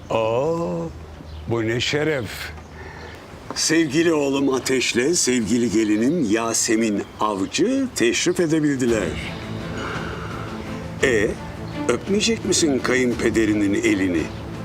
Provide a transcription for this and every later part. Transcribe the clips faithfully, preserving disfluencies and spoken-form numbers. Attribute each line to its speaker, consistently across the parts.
Speaker 1: Oo, bu ne şeref.
Speaker 2: Sevgili oğlum Ateş'le sevgili gelinim Yasemin Avcı teşrif edebildiler. E, öpmeyecek misin kayınpederinin elini?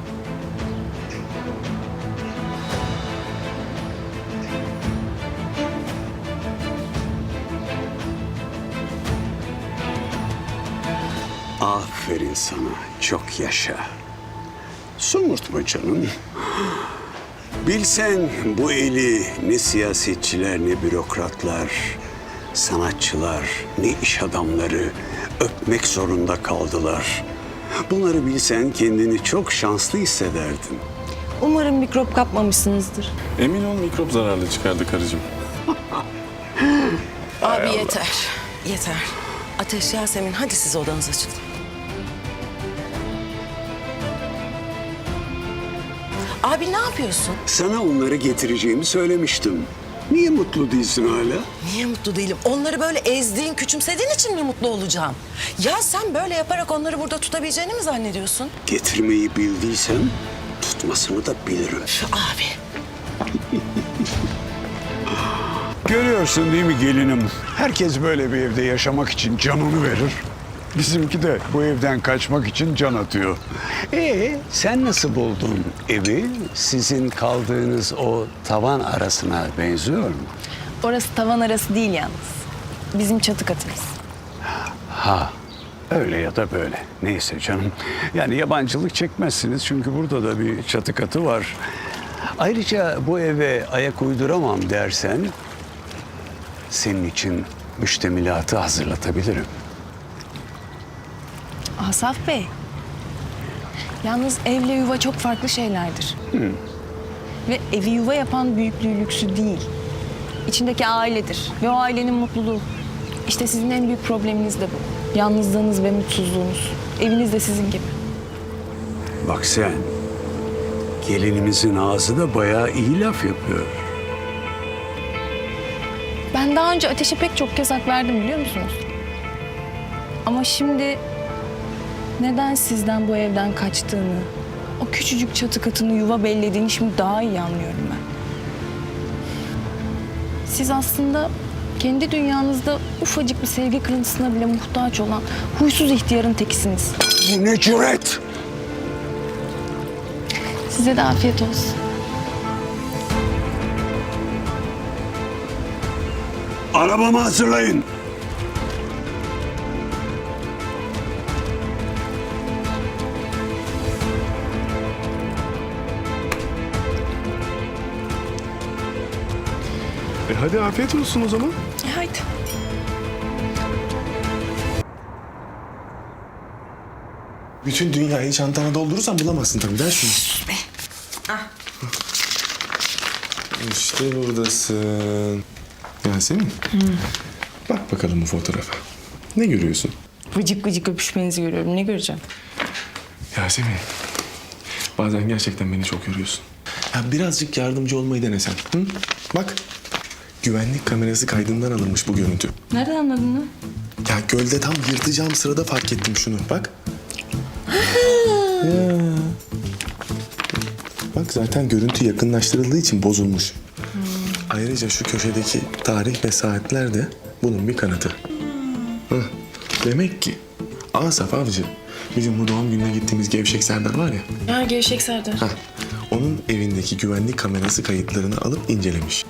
Speaker 2: Aferin sana, çok yaşa. Somurtma canım. Bilsen bu eli ne siyasetçiler, ne bürokratlar, sanatçılar, ne iş adamları öpmek zorunda kaldılar. Bunları bilsen kendini çok şanslı hissederdin.
Speaker 3: Umarım mikrop kapmamışsınızdır.
Speaker 4: Emin ol mikrop zararlı çıkardı karıcığım.
Speaker 5: Abi yeter. Yeter. Ateş, Yasemin hadi siz odanıza çıkın. Abi ne yapıyorsun?
Speaker 2: Sana onları getireceğimi söylemiştim. Niye mutlu değilsin hala?
Speaker 5: Niye mutlu değilim? Onları böyle ezdiğin, küçümsediğin için mi mutlu olacağım? Ya sen böyle yaparak onları burada tutabileceğini mi zannediyorsun?
Speaker 2: Getirmeyi bildiysen tutmasını da bilirim.
Speaker 5: Abi.
Speaker 1: Görüyorsun değil mi gelinim? Herkes böyle bir evde yaşamak için canını verir. Bizimki de bu evden kaçmak için can atıyor. Ee, sen nasıl buldun evi? Sizin kaldığınız o tavan arasına benziyor mu?
Speaker 3: Orası tavan arası değil yalnız. Bizim çatı katımız.
Speaker 1: Ha, öyle ya da böyle. Neyse canım. Yani yabancılık çekmezsiniz çünkü burada da bir çatı katı var. Ayrıca bu eve ayak uyduramam dersen senin için müştemilatı hazırlatabilirim.
Speaker 3: Asaf Bey. Yalnız evle yuva çok farklı şeylerdir. Ve evi yuva yapan büyüklüğü lüksü değil. İçindeki ailedir ve o ailenin mutluluğu. İşte sizin en büyük probleminiz de bu. Yalnızlığınız ve mutsuzluğunuz. Eviniz de sizin gibi.
Speaker 1: Bak sen, gelinimizin ağzı da bayağı iyi laf yapıyor.
Speaker 3: Ben daha önce Ateş'e pek çok kez hak verdim biliyor musunuz? Ama şimdi neden sizden bu evden kaçtığını, o küçücük çatı katını yuva bellediğini şimdi daha iyi anlıyorum ben. Siz aslında kendi dünyanızda ufacık bir sevgi kırıntısına bile muhtaç olan huysuz ihtiyarın tekisiniz.
Speaker 1: Bu ne cüret?
Speaker 3: Size de afiyet olsun.
Speaker 2: Arabamı hazırlayın.
Speaker 4: E hadi afiyet olsun o zaman.
Speaker 3: E haydi.
Speaker 6: Bütün dünyayı çantana doldurursan bulamazsın tabii. Ver şunu. İşte buradasın. Yasemin. Bak bakalım bu fotoğrafa. Ne görüyorsun?
Speaker 3: Vıcık vıcık öpüşmenizi görüyorum. Ne göreceğim?
Speaker 6: Yasemin. Bazen gerçekten beni çok yoruyorsun. Ya birazcık yardımcı olmayı denesen. Hı? Bak. Güvenlik kamerası kaydından alınmış bu görüntü.
Speaker 3: Nereden anladın lan?
Speaker 6: Ya gölde tam yırtacağım sırada fark ettim şunu. Bak. Ya. Bak zaten görüntü yakınlaştırıldığı için bozulmuş. Ayrıca şu köşedeki tarih ve saatler de bunun bir kanıtı. Hah. Demek ki Asaf Avcı bizim bu doğum gününe gittiğimiz Gevşek Serdar var ya.
Speaker 3: Ha Gevşek Serdar.
Speaker 6: Hah. Onun evindeki güvenlik kamerası kayıtlarını alıp incelemiş.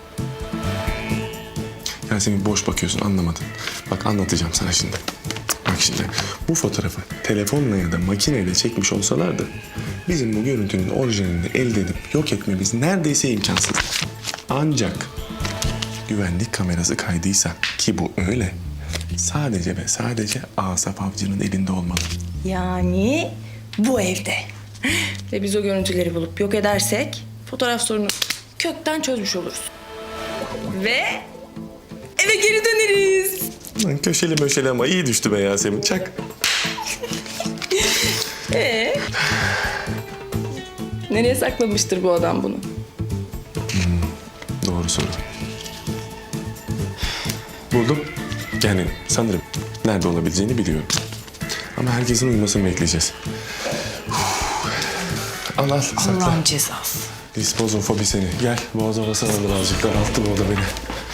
Speaker 6: Yasemin boş bakıyorsun anlamadın. Bak anlatacağım sana şimdi. Bak şimdi bu fotoğrafı telefonla ya da makineyle çekmiş olsalardı bizim bu görüntünün orijinalini elde edip yok etmemiz neredeyse imkansız. Ancak güvenlik kamerası kaydıysa ki bu öyle sadece ve sadece Asaf Avcı'nın elinde olmalı.
Speaker 7: Yani bu evde. Ve biz o görüntüleri bulup yok edersek fotoğraf sorunu kökten çözmüş oluruz. Ve eve geri döneriz.
Speaker 6: Lan köşeli möşeli ama iyi düştü be Yasemin. Çak.
Speaker 7: Ee? Nereye saklamıştır bu adam bunu?
Speaker 6: Doğru soru. Buldum. Yani sanırım nerede olabileceğini biliyorum. Ama herkesin uyumasını bekleyeceğiz. Uf. Al al sakla.
Speaker 5: Allah'ın cezası.
Speaker 6: Dispozofobi seni. Gel boğaz havası alır azıcık. Daralttı bu oda beni.